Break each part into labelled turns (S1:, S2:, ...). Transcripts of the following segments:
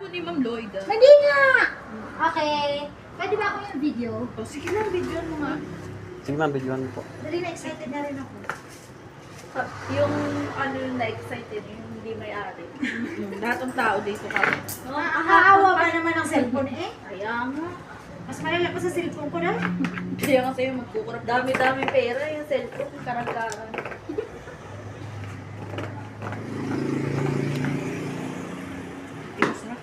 S1: cellphone ni Ma'am Lloyd.
S2: Hindi nga! Okay. Pwede ba ako yung video?
S1: Oh, sige lang, video mo nga.
S3: Sige ma'am, videoan mo po.
S2: Dali na, excited na rin ako.
S4: Yung ano yung na-excited, yung hindi may-ari.
S1: Lahat ng tao dito kami.
S2: Nakakaawa pa naman ang cellphone eh.
S4: Kaya nga.
S2: Mas malala pa sa cellphone ko na.
S1: Kaya nga sa'yo magkukurap.
S4: Dami-dami pera yung cellphone, karang-karang.
S1: Tigas na.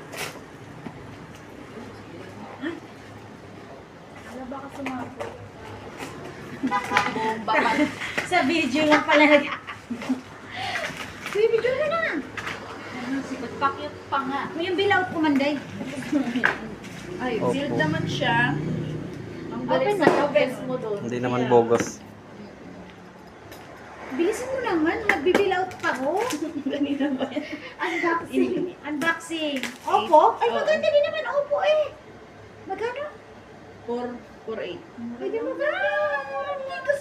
S4: Wala ba ka sumagot?
S1: Bomba pa.
S2: Sa video lang pala. Sige, video ka na.
S4: Magpakyut pa nga.
S2: May yung bill out ko manday.
S1: Ay,
S3: Opo.
S1: sealed naman siya.
S4: Ang galing
S2: Open
S4: sa
S2: na,
S4: offense mo doon.
S3: Hindi naman
S1: Kaya-
S3: bogus.
S2: Bilisan mo naman, nagbibill out pa ko.
S1: Ganito ba yan?
S2: Unboxing. Unboxing. Opo? Ay,
S1: Oo.
S2: maganda din naman Opo eh. Magkano?
S1: 448.
S2: Pwede mo ba? Murang ligas.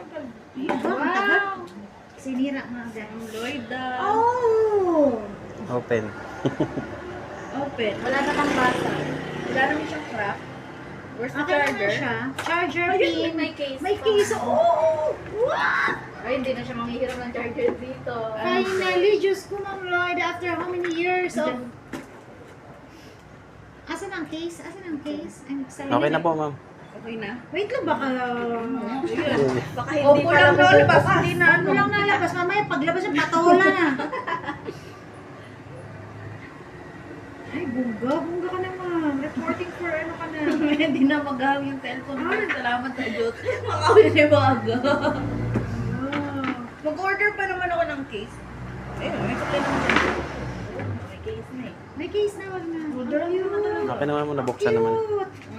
S1: Wow!
S2: Sinira nga agad.
S1: Ma'am Lloyd,
S2: Oh!
S3: Open.
S1: open.
S4: Wala namang basa.
S1: Wala naman siyang crack. Where's the
S2: Okay naman
S1: charger?
S2: siya. Charger
S4: Ayun,
S2: pin.
S4: may case
S2: May
S4: pa.
S2: case. Oh! What?
S4: Ay, hindi na siya manghihiram ng charger dito.
S2: Finally, Diyos ko, Ma'am Lloyd, after how many years of... Asan ang case? Asan ang case? I'm excited.
S3: Okay na po ma'am.
S1: Okay na.
S2: Wait lang, baka...
S1: Ayun. Baka hindi
S4: Opo
S1: pa
S4: lang
S1: lang nalabas.
S4: bukas.
S1: Hindi na
S2: Ano lang nalabas, mamaya paglabas yung patola na. Ay, bungga ka naman. Reporting for ano ka na.
S1: Hindi na maghahang yung cellphone mo. Salamat sa Diyos. Makawin na yung baga.
S2: Wow.
S1: Mag-order pa naman ako ng case. Ayun, may supply naman dyan.
S4: May case na eh.
S2: May case na, wag na.
S1: Order lang naman talaga.
S3: Okay naman mo, nabuksan naman.
S2: Cute.